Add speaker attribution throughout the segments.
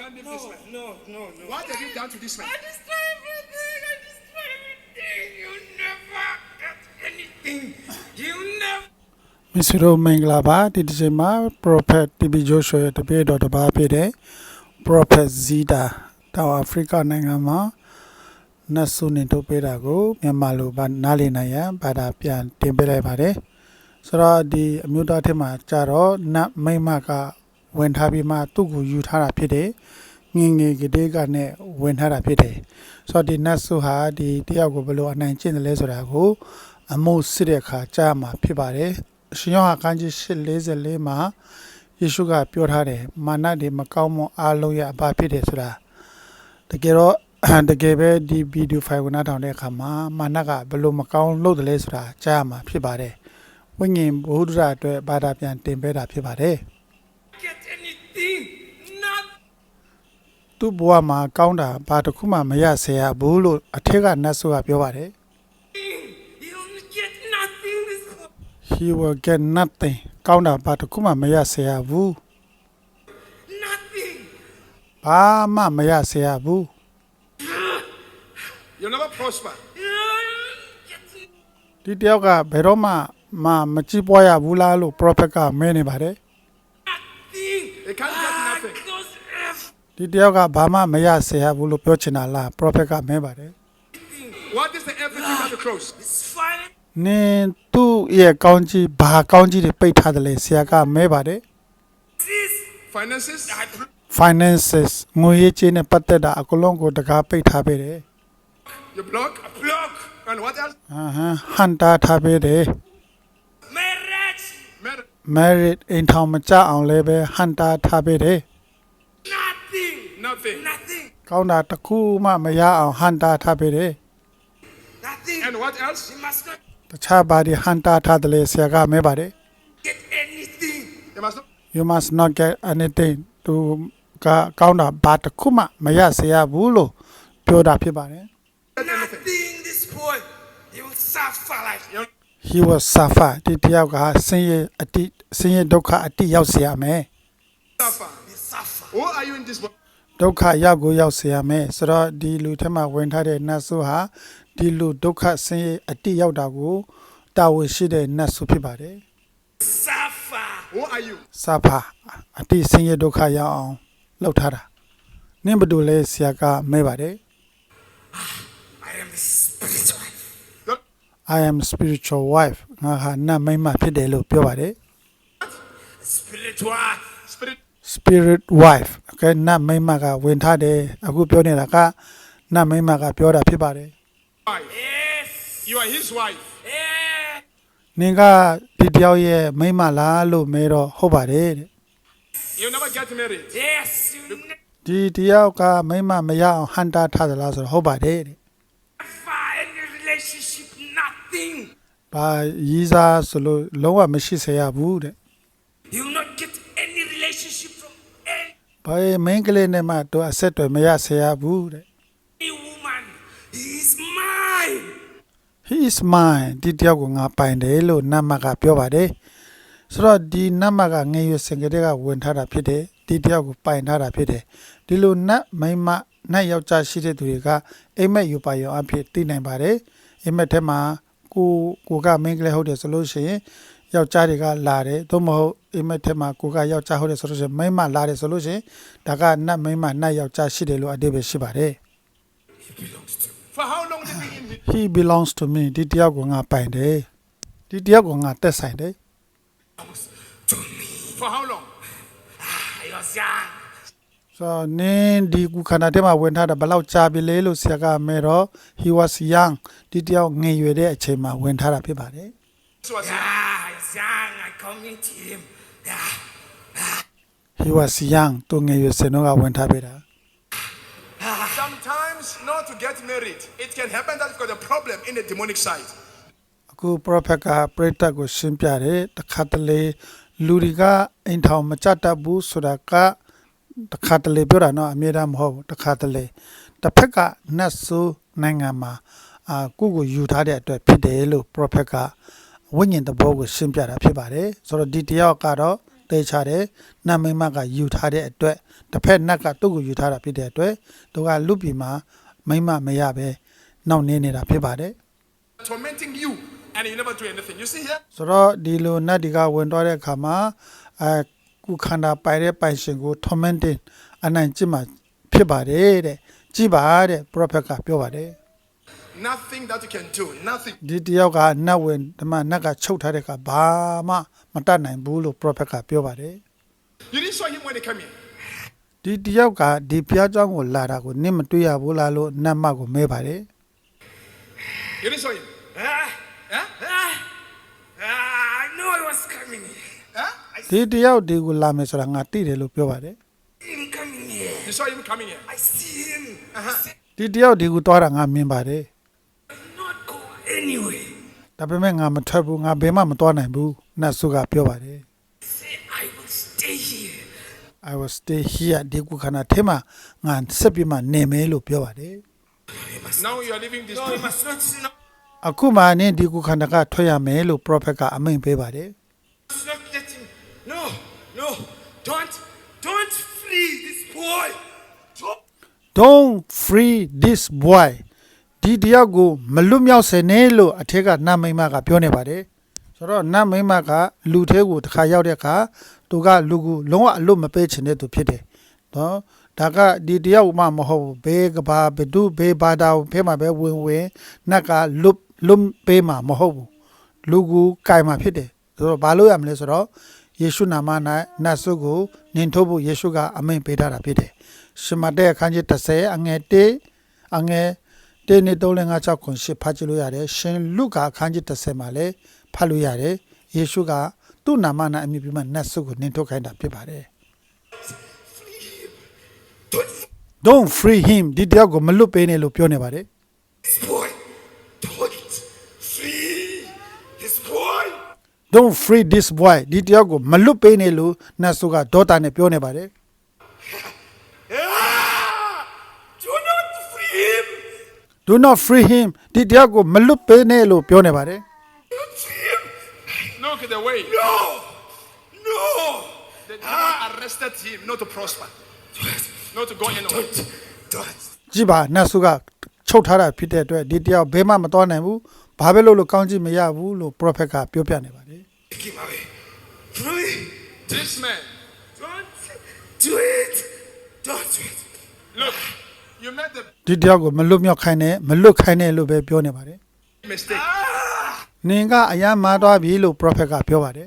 Speaker 1: can't leave this man.
Speaker 2: No.
Speaker 1: What have you done to this man?
Speaker 2: I destroy everything. You never get anything. You never.
Speaker 3: မစ္စရိုမင်္ဂလာပါဒီတစ်ချိန်မှာ Prophet TB Joshua ရဲ့တပည့်တော်တစ်ပါးဖြစ်တဲ့ Prophet Zida တောင်အာဖရိကနိုင်ငံမှာနတ်ဆုနေထုတ်ပေးတာကိုမြန်မာလိုနားလည်နိုင်ရန်ဘာသာပြန်တင်ပေးလိုက်ပါတယ်ဆိုတော့ဒီအမျိုးသားထက်မှာကြတော့နတ်မိမကဝင်ထားပြီးမှသူ့ကိုယူထားတာဖြစ်တယ်ငငယ်ကလေးကနဲ့ဝင်ထားတာဖြစ်တယ်ဆိုတော့ဒီနတ်ဆုဟာဒီတယောက်ကိုဘယ်လိုအနိုင်ကျင့်တယ်လဲဆိုတာကိုအမှုစစ်တဲ့အခါကြားမှာဖြစ်ပါတယ်ရှင်ယောဟန်ခန်းကြီး8:44မှာယေရှုကပြောထားတယ်မာနတွေမကောင်းမွန်အားလုံးရဲ့အပါဖြစ်တယ်ဆိုတာတကယ်တော့တကယ်ပဲဒီဗီဒီယိုဖိုင်ကိုနားထောင်တဲ့အခါမှာမာနကဘယ်လိုမကောင်းလုပ်တယ်လဲဆိုတာကြားမှာဖြစ်ပါတယ်ဝိညာဉ်ဘုဒ္ဓရာအတွက်ဘာသာပြန်တင်ပေးတာဖြစ်ပါတယ်
Speaker 2: get anything. Not.
Speaker 3: သူ့ဘဝမှာကောင်းတာဘာတစ်ခုမှမရစေရဘူးလို့အထက်ကနတ်ဆိုကပြောပါတယ်
Speaker 2: You'll get nothing. This.
Speaker 3: He will get nothing ကောင်းတာဘာတစ်ခုမှမရစေရဘူး
Speaker 2: Nothing.
Speaker 3: ဘာမှမရစေရဘူး
Speaker 1: You'll never prosper.
Speaker 2: Get
Speaker 3: ဒီတယောက်ကဘယ်တော့မှမကြည့်ပွားရဘူးလားလို့ prophet ကမဲနေပါတယ်
Speaker 2: nothing.
Speaker 1: They can't get nothing.
Speaker 2: Those
Speaker 3: ဒီတယောက်ကဘာမှမရစေရဘူးလို့ပြောချင်တာလား prophet ကမဲပါတယ်
Speaker 1: What is the everything at the cross?
Speaker 2: It's fine.
Speaker 3: နင်သူ့ရဲ့ကောင်းကြီးဘာကောင်းကြီးတွေပိတ်ထားတယ်လဲဆရာကမဲပါတယ်
Speaker 2: This.
Speaker 1: Finances?
Speaker 3: finances ငွေရေးကြေးနဲ့ပတ်သက်တာအကုန်လုံးကိုတကားပိတ်ထားပေးတယ်
Speaker 1: You block?
Speaker 2: Block.
Speaker 1: And what else?
Speaker 3: ဟန်တာထားပေးတယ်
Speaker 2: Marriage.
Speaker 3: married အိမ်ထောင်မကြအောင်လည်းပဲဟန်တာထားပေးတယ်
Speaker 2: Nothing.
Speaker 1: Nothing.
Speaker 2: Nothing.
Speaker 3: ကောင်းတာတစ်ခုမှမရအောင်ဟန်တာထားပေးတယ်
Speaker 2: Nothing.
Speaker 1: And what else?
Speaker 2: You must not
Speaker 3: တခြားဘာတွေဟန်တာထားတယ်လဲဆရာကမဲပါတယ်
Speaker 2: get anything.
Speaker 1: You must not.
Speaker 3: you must not get anything သူကကောင်းတာဘာတစ်ခုမှမရစေရဘူးလို့ပြောတာဖြစ်ပါတယ်
Speaker 1: Get anything.
Speaker 2: Nothing. This boy. He will suffer like.
Speaker 3: he was suffer ဒီတယောက်ကဆင်းရဲဒုက္ခအတိရောက်เสียမယ်
Speaker 1: Suffer.
Speaker 2: He suffer.
Speaker 1: Who are you in this world?
Speaker 3: ဒုက္ခရောက်ကိုရောက်เสียမယ်ဆိုတော့ဒီလူထဲမှာဝင်ထားတဲ့နတ်ဆုဟာဒီလူဒုက္ခဆင်းရဲအတိရောက်တာကိုတာဝန်ရှိတဲ့နတ်ဆုဖြစ်ပါတယ်
Speaker 2: Suffer.
Speaker 1: Who are you?
Speaker 3: စာဖာအတိဆင်းရဲဒုက္ခရောက်အောင်လုပ်ထားတာနင့်ဘယ်လိုလဲဆရာကမဲပါတယ်
Speaker 2: I am the spiritual.
Speaker 3: I am spiritual wife ငါဟာနတ်မိန်းမဖြစ်တယ်လို့ပြောပါတယ်
Speaker 2: Spiritual.
Speaker 1: Spirit.
Speaker 3: spirit wife okay နတ်မိန်းမကဝင်ထားတယ်အခုပြောနေတာကနတ်မိန်းမကပြောတာဖြစ်ပါတယ်
Speaker 1: Wife.
Speaker 2: Yes.
Speaker 1: You are his wife.
Speaker 2: Yeah.
Speaker 3: နင်ကဒီတယောက်ရဲ့မိန်းမလားလို့မဲတော့ဟုတ်ပါတယ်တဲ့
Speaker 1: You'll never get married.
Speaker 2: Yes. You never
Speaker 3: ဒီတယောက်ကမိန်းမမရအောင်ဟန်တာထားသလားဆိုတော့ဟုတ်ပါတယ်တဲ့
Speaker 2: any relationship. Nothing.
Speaker 3: ဘာရီးစားဆိုလို့လုံးဝမရှိစေရဘူးတဲ့
Speaker 2: You will not get any relationship from any
Speaker 3: ဘာမင်းကလေးနဲ့မှတော့အဆက်အသွယ်မရစေရဘူးတဲ့
Speaker 2: woman. He is mine.
Speaker 3: he is mine ဒီတယောက်ကိုငါပိုင်တယ်လို့နတ်မကပြောပါတယ်ဆိုတော့ဒီနတ်မကငယ်ရွယ်စင်ကလေးကဝင်ထားတာဖြစ်တယ်ဒီတယောက်ကိုပိုင်ထားတာဖြစ်တယ်ဒီလိုနတ်မိန်းမနတ်ယောက်ျားရှိတဲ့သူတွေကအိမ်မက်ယူပါရောအဖြစ်သိနိုင်ပါတယ်အိမ်မက်ထဲမှာကိုကမင်းကလေးဟုတ်တယ်ဆိုလို့ရှိရင်ယောက်ျားတွေကလာတယ်သို့မဟုတ်အိမ်မက်ထဲမှာကိုကယောက်ျားဟုတ်တယ်ဆိုလို့ရှိရင်မိန်းမလာတယ်ဆိုလို့ရှိရင်ဒါကနတ်မိန်းမနတ်ယောက်ျားရှိတယ်လို့အဓိပ္ပာယ်ရှိပါတယ်
Speaker 2: He belongs to me.
Speaker 1: For how long did he in him?
Speaker 3: he belongs to me ဒီတယောက်ကိုငါပိုင်တယ်ဒီတယောက်ကိုငါတက်ဆိုင်တယ်
Speaker 2: To me.
Speaker 1: For how long?
Speaker 2: He was young.
Speaker 3: ဆိုနင်းဒီကုခန္ဓာထဲမှာဝင်ထားတာဘယ်လောက်ကြာပြီလဲလို့ဆရာကမဲတော့ he was young ဒီတယောက်ငယ်ရွယ်တဲ့အချိန်မှာဝင်ထားတာဖြစ်ပါတယ်
Speaker 1: This was
Speaker 2: Yeah, he's young. I come meet him. Yeah.
Speaker 3: he was young သူငယ်ရွယ်စင်တော့ကဝင်ထားပေးတာ
Speaker 1: sometimes not to get married. It can happen that you've got a problem in the demonic side.
Speaker 3: အခု prophet ကပရိသတ်ကိုရှင်းပြတယ်တခါတလေလူတွေကအိမ်ထောင်မကြတတ်ဘူးဆိုတာကတခါတလေပြောတာနော်အမြဲတမ်းမဟုတ်ဘူးတခါတလေတစ်ဖက်ကနတ်ဆိုးနိုင်ငံမှာကိုယူထားတဲ့အတွက်ဖြစ်တယ်လို့ prophet ကဝိညာဉ်တဘောကိုရှင်းပြတာဖြစ်ပါတယ်ဆိုတော့ဒီတယောက်ကတော့တတေချတယ်နတ်မိမကယူထားတဲ့အတွက်တစ်ဖက်နတ်ကသူ့ကိုယူထားတာဖြစ်တဲ့အတွက်သူကလူပြည်မှာမိမမရပဲနှောင့်နှေးနေတာဖြစ်ပါတယ်
Speaker 1: tormenting you and you never do anything. You see here?
Speaker 3: ဆိုတော့ဒီလိုနတ်ဒီကဝင်သွားတဲ့အခါမှာကုခန္ဓာပိုင်တဲ့ပိုင်ရှင်ကို tormenting အနိုင်ကျင့်မှာဖြစ်ပါတယ်တဲ့ကြည်ပါတဲ့ prophet ကပြောပါတယ်
Speaker 1: Nothing that you can do. Nothing.
Speaker 3: ဒီတယောက်ကနတ်ဝင်ဓမ္မနတ်ကချုပ်ထားတဲ့အခါဘာမှမတတ်နိုင်ဘူးလို့ prophet ကပြောပါတယ်
Speaker 1: You didn't saw him when he came in.
Speaker 3: ဒီတယောက်ကဒီဘုရားကျောင်းကိုလာတာကိုနင့်မတွေ့ရဘူးလားလို့နတ်မကိုမဲပါတယ်
Speaker 1: You didn't saw him.
Speaker 2: Ah,
Speaker 1: Huh?
Speaker 2: I know I was coming here.
Speaker 1: Huh?
Speaker 2: I
Speaker 3: ဒီတယောက်ဒီကိုလာမယ်ဆိုတာငါသိတယ်လို့ပြောပါတယ်
Speaker 2: see him coming here.
Speaker 1: You saw him coming here.
Speaker 2: I see him.
Speaker 1: Uh-huh.
Speaker 3: ဒီတယောက်ဒီကိုသွားတာငါမြင်ပါတယ်
Speaker 2: Not go anywhere.
Speaker 3: ဒါပေမဲ့ငါမထွက်ဘူးငါဘယ်မှမသွားနိုင်ဘူးနတ်ဆုကပြောပါတယ်
Speaker 2: Say I will stay here.
Speaker 3: I will stay here ဒီကုခန္ဓာထဲမှာငါဆက်ပြီးမှနေမယ်လို့ပြောပါတယ်
Speaker 2: You must
Speaker 1: Now you are leaving this
Speaker 2: no, you
Speaker 1: room.
Speaker 2: must not no,
Speaker 3: အခုမှနင်းဒီကုခန္ဓာကထွက်ရမယ်လို့ prophet ကအမိန့်ပေးပါတယ်
Speaker 2: must not let him. No, no, don't free this boy.
Speaker 3: Don't free this boy ဒီတယောက်ကိုမလွတ်မြောက်စေနဲ့လို့အထက်ကနတ်မိမကပြောနေပါတယ်ဆိုတော့နတ်မိမကလူသေးကိုတစ်ခါရောက်တဲ့အခါသူကလူကိုလုံးဝအလွတ်မပေးချင်တဲ့သူဖြစ်တယ်နော်ဒါကဒီတယောက်မှမဟုတ်ဘူးဘေးကဘာဘဒုဘေးဘာသာဖဲမှာပဲဝင်နတ်ကလွတ်ပေးမှာမဟုတ်ဘူးလူကိုကြိုင်မှာဖြစ်တယ်ဆိုတော့ဘာလို့ရမလဲဆိုတော့ယေရှုနာမ၌နတ်ဆုကိုနင်ထုတ်ဖို့ယေရှုကအမိန့်ပေးထားတာဖြစ်တယ်ရှမတဲ့အခန်းကြီး30အငယ်1အငယ်1နဲ့3 5 6 9ဖတ်ကြည့်လို့ရတယ်ရှင်လုကာအခန်းကြီး30မှာလည်းဖတ်လို့ရတယ်ယေရှုကသူ့နာမ၌အမည်ပြုမှနတ်ဆုကိုနင်ထုတ်ခိုင်းတာဖြစ်ပါတယ် Don't free him ဒီတယောက်ကိုမလွတ်ပေးနဲ့လို့ပြောနေပါတယ်
Speaker 2: This boy, don't free this boy.
Speaker 3: Don't free this boy ဒီတယောက်ကိုမလွတ်ပေးနဲ့လို့နတ်ဆုကဒေါတာနဲ့ပြောနေပါတယ်
Speaker 2: Do not free him.
Speaker 3: Do not free him ဒီတယောက်ကိုမလွတ်ပေးနဲ့လို့ပြောနေပါတယ်
Speaker 2: Don't free him.
Speaker 1: Look at the way.
Speaker 2: No, no.
Speaker 1: The demon arrested him not to prosper, not to go anywhere.
Speaker 2: Don't.
Speaker 3: ကြည့်ပါနတ်ဆုကချုပ်ထားတာဖြစ်တဲ့အတွက်ဒီတယောက်ဘယ်မှမသွားနိုင်ဘူးဘာပဲလို့ကောင်းကြည့်မရဘူးလို့ prophet ကပြောပြနေပါတယ်
Speaker 2: Take him away. Free.
Speaker 1: This man,
Speaker 2: Don't do it. Don't do it.
Speaker 1: look, you made the
Speaker 3: ဒီတယောက်ကိုမလွတ်မြောက်ခိုင်းနဲ့မလွတ်ခိုင်းနဲ့လို့ပဲပြောနေပါတယ်
Speaker 1: mistake.
Speaker 3: နင်ကအယမ်းမာသွားပြီလို့ prophet ကပြောပါတယ်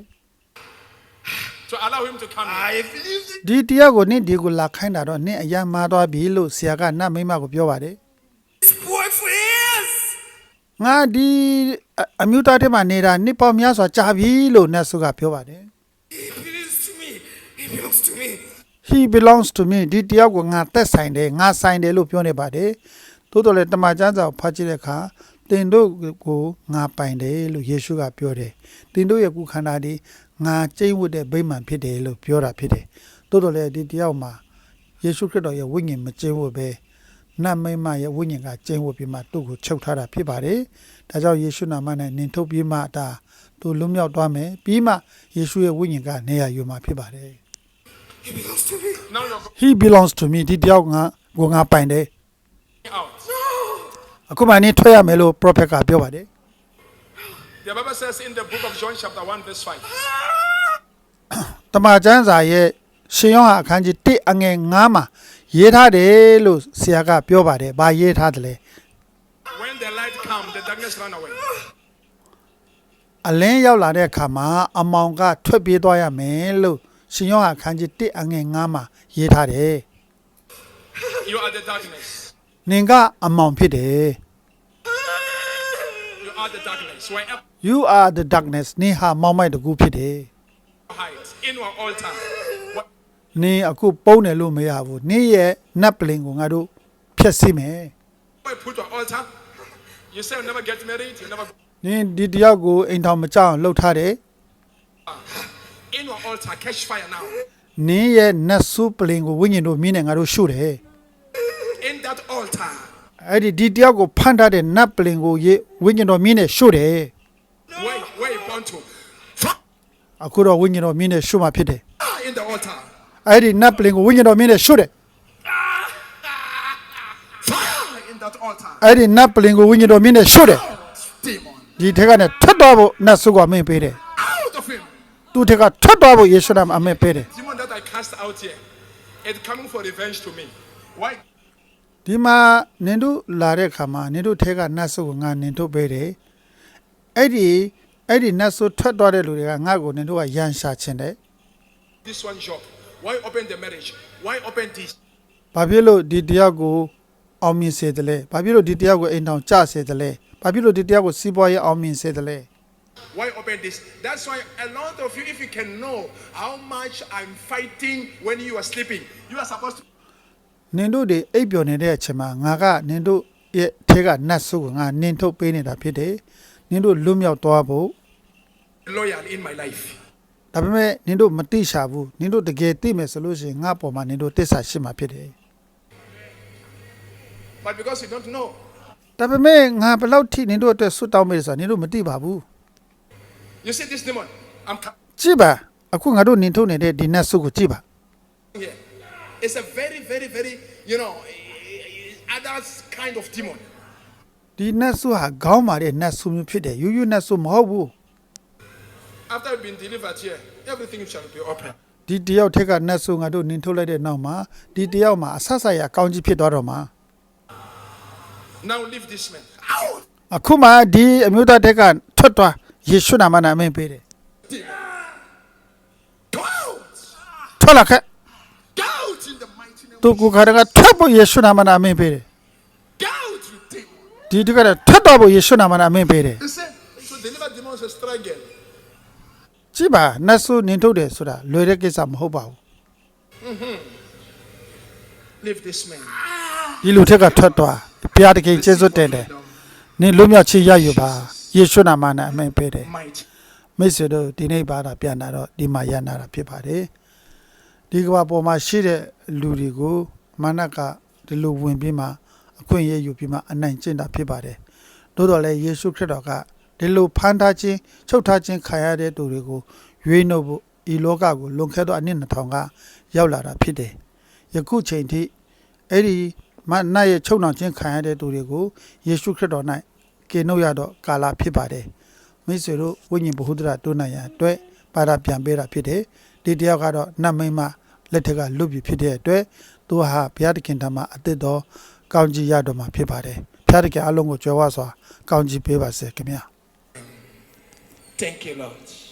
Speaker 1: To allow him to come in.
Speaker 2: I believe it.
Speaker 3: ဒီတယောက်ကိုနင်ဒီကိုလာခိုင်းတာတော့နင်အယမ်းမာသွားပြီလို့ဆရာကနတ်မိမကိုပြောပါတယ်
Speaker 2: This boy for years.
Speaker 3: ငါဒီအမျိုးသားတွေမှာနေတာနှစ်ပေါင်းများစွာကြာပြီလို့နတ်ဆုကပြောပါတယ်
Speaker 2: He belongs to me. He belongs to me.
Speaker 3: He belongs to me ဒီတယောက်ကိုငါသက်ဆိုင်တယ်ငါဆိုင်တယ်လို့ပြောနေပါတယ်သို့တော်လည်းတမန်ကျမ်းစာကိုဖတ်ကြည့်တဲ့အခါတင်တို့ကိုငါပိုင်တယ်လို့ယေရှုကပြောတယ်တင်တို့ရဲ့ကုခန္ဓာဒီငါကျိတ်ဝတ်တဲ့ဗိမာန်ဖြစ်တယ်လို့ပြောတာဖြစ်တယ်သို့တော်လည်းဒီတယောက်မှာယေရှုခရစ်တော်ရဲ့ဝိညာဉ်မကျိတ်ဝတ်ပဲနတ်မိမရဲ့ဝိညာဉ်ကကျိတ်ဝတ်ပြီးမှသူ့ကိုချုပ်ထားတာဖြစ်ပါတယ်ဒါကြောင့်ယေရှုနာမနဲ့နင်ထုတ်ပြီးမှဒါသူလွတ်မြောက်သွားမယ်ပြီးမှယေရှုရဲ့ဝိညာဉ်ကနေရာယူမှာဖြစ်ပါတယ်
Speaker 2: He belongs to me.
Speaker 1: Now you're
Speaker 3: He belongs to me ဒီတယောက်ငါပိုင်တယ်
Speaker 1: going out.
Speaker 3: အခုမှနေထွက်ရမယ်လို့ prophet ကပြောပါတယ်
Speaker 1: The Bible says in the book of John chapter 1 verse 5.
Speaker 3: တမန်ကျမ်းစာရဲ့ရှင်ယောဟန်အခန်းကြီး1အငယ်9မှာရေးထားတယ်လို့ဆရာကပြောပါတယ်။ဘာရေးထားတယ်လဲ
Speaker 1: When the light comes, the darkness run away.
Speaker 3: အလင်းရောက်လာတဲ့အခါမှာအမောင်ကထွက်ပြေးသွားရမယ်လို့ရှင်ယောဟန်အခန်းကြီး1အငယ်9မှာရေးထားတယ်
Speaker 1: You are the darkness.
Speaker 3: ။နင်ကအမောင်ဖြစ်တယ်
Speaker 1: You are the darkness. Wherever
Speaker 3: ။ You are the darkness နင်ဟာမောင်မိုက်တကူဖြစ်တယ်
Speaker 1: you hide in our altar.
Speaker 3: ။နင်အခုပုံးတယ်လို့မရဘူး။နင်ရဲ့နတ်ပလင်ကိုငါတို့ဖျက်ဆီးမယ်
Speaker 1: Where you put your altar, you say you never get married, you never go.
Speaker 3: ။နင်ဒီတယောက်ကိုအိမ်ထောင်မကြောက်အောင်လှုပ်ထားတယ်
Speaker 1: In your altar, catch fire now.
Speaker 3: ။နင်ရဲ့နတ်ဆုပလင်ကိုဝိညာဉ်တို့မြင်းနဲ့ငါတို့ရှုတယ်
Speaker 1: In that altar,
Speaker 3: ။အဲ့ဒီတယောက်ကိုဖန်ထားတဲ့နတ်ပလင်ကိုဝိညာဉ်တော်မြင်းနဲ့ရှုတယ်
Speaker 1: where you born to.
Speaker 3: အခုတော့ဝိညာဉ်တော်မြင့်နဲ့ရှုမှဖြစ်တယ်
Speaker 1: in the altar.
Speaker 3: အဲ့ဒီနတ်ပလင်ကိုဝိညာဉ်တော်မြင့်နဲ့ရှုတယ်
Speaker 1: Fire in that altar.
Speaker 3: အဲ့ဒီနတ်ပလင်ကိုဝိညာဉ်တော်မြင့်နဲ့ရှုတယ်
Speaker 1: Demon.
Speaker 3: ဒီထက်ကနေထွက်သွားဖို့နတ်ဆုကအမိန့်ပေးတယ်
Speaker 1: Out of him.
Speaker 3: သူထက်ကထွက်သွားဖို့ယေရှုနာမအမိန့်ပေးတယ်
Speaker 1: Demon that I cast out here. It's coming for revenge to me. Why?
Speaker 3: ဒီမှာနင်တို့လာတဲ့ခါမှာနင်တို့ထဲကနတ်ဆုကိုငါနင်တို့ပေးတယ်အဲ့ဒီနတ်ဆုထွက်သွားတဲ့လူတွေကငါ့ကိုနင်တို့ကရန်ရှာခြင်းတယ်
Speaker 1: This one job. Why open the marriage? Why open this?
Speaker 3: ဘာဖြစ်လို့ဒီတယောက်ကိုအောင်မြင်စေတယ်လဲဘာဖြစ်လို့ဒီတယောက်ကိုအိမ်ထောင်ကျစေတယ်လဲဘာဖြစ်လို့ဒီတယောက်ကိုစီးပွားရေးအောင်မြင်စေတယ်လဲ
Speaker 1: Why open this? That's why a lot of you, if you can know how much I'm fighting when you are sleeping, you are supposed to
Speaker 3: နင်တို့တွေအိပ်ပျော်နေတဲ့အချိန်မှာငါကနင်တို့ရဲ့ထဲကနတ်ဆုကိုငါနင်ထုတ်ပေးနေတာဖြစ်တယ်နင်တို့လွတ်မြောက်သွားဖို့
Speaker 1: be loyal in my life.
Speaker 3: ဒါပေမဲ့နင်တို့မတိရှာဘူးနင်တို့တကယ်သိမယ်ဆိုလို့ရှိရင်ငါပေါ်မှာနင်တို့တစ္ဆာရှိမှာဖြစ်တယ်
Speaker 1: But because you don't know,
Speaker 3: ဒါပေမဲ့ငါဘယ်လောက်ထိနင်တို့အတွက်ဆွတ်တောင်းမေးဆိုတာနင်တို့မသိပါဘူး
Speaker 1: you see this demon, I'm
Speaker 3: ကြည့်ပါအခုငါတို့နင်ထုတ်နေတဲ့ဒီနတ်ဆုကိုကြည့်ပါ
Speaker 1: coming here. It's a very, very, very, other kind of demon.
Speaker 3: ဒီနတ်ဆုဟာခေါင်းမာတဲ့နတ်ဆုမျိုးဖြစ်တယ်ယူယူနတ်ဆုမဟုတ်ဘူး
Speaker 1: After you've been delivered here, everything shall be open.
Speaker 3: ဒီတယောက်ထက်ကနတ်ဆုငါတို့နင်ထုတ်လိုက်တဲ့နောက်မှာဒီတယောက်မှာအဆဆရအကောင်းကြီးဖြစ်သွားတော့မှာ
Speaker 1: Now leave this man. Out!
Speaker 3: အခုမှဒီအမျိုးသားတက်ကထွက်သွားယေရှုနာမနဲ့အမိန့်ပေးတယ်
Speaker 1: Demon. Go out!
Speaker 3: ထွက်လာခဲ့
Speaker 1: Go out in the mighty name
Speaker 3: သူ
Speaker 1: of
Speaker 3: ကိုခါတကထွက်ဖို့ယေရှုနာမနဲ့အမိန့်ပေးတယ်
Speaker 1: Go out, you demon.
Speaker 3: ဒီတက်ကထွက်သွားဖို့ယေရှုနာမနဲ့အမိန့်ပေးတယ်
Speaker 1: You see, so deliver demons is a struggle.
Speaker 3: ကြည့်ပါနတ်ဆုနင်ထုတ်တယ်ဆိုတာလွယ်တဲ့ကိစ္စမဟုတ်ပါဘူး
Speaker 1: Leave this man.
Speaker 3: ဒီလူထက်ကထွက်သွားဘုရားတခင်ကျေးဇူးတင်တယ်နင်လွတ်မြောက်ချရယူပါယေရှုနာမနဲ့အမိန့်ပေးတယ်
Speaker 1: Might.
Speaker 3: မိတ်ဆွေတို့ဒီနေ့ပါတာပြန်လာတော့ဒီမှာရနာတာဖြစ်ပါတယ်ဒီကဘာပေါ်မှာရှိတဲ့လူတွေကိုမာနကဒီလိုဝင်ပြီးမှအခွင့်အရေးယူပြီးမှအနိုင်ကျင့်တာဖြစ်ပါတယ်သို့တော်လည်းယေရှုခရစ်တော်ကဒီလိုဖန်ထားခြင်းချုပ်ထားခြင်းခံရတဲ့သူတွေကိုရွေးနှုတ်ဖို့ဤလောကကိုလွန်ခဲ့သောအနှစ်2000ကရောက်လာတာဖြစ်တယ်ယခုချိန်ထိအဲ့ဒီမနတ်ရဲ့ချုပ်နှောင်ခြင်းခံရတဲ့သူတွေကိုယေရှုခရစ်တော်၌ကေနှုတ်ရတော့ကာလဖြစ်ပါတယ်မိတ်ဆွေတို့ဝိညာဉ်ဗဟုသုတတိုးနိုင်ရန်အတွက်ပါရပြန်ပေးတာဖြစ်တယ်ဒီတယောက်ကတော့နတ်မိန်းမလက်ထက်ကလွတ်ပြီဖြစ်တဲ့အတွက်သူဟာဘုရားသခင်ထံမှာအသစ်တော်ကောင်းကြီးရတော်မှာဖြစ်ပါတယ်ဘုရားသခင်အလုံးကိုကြွယ်ဝစွာကောင်းကြီးပေးပါစေခင်ဗျာ
Speaker 1: Thank you, Lord.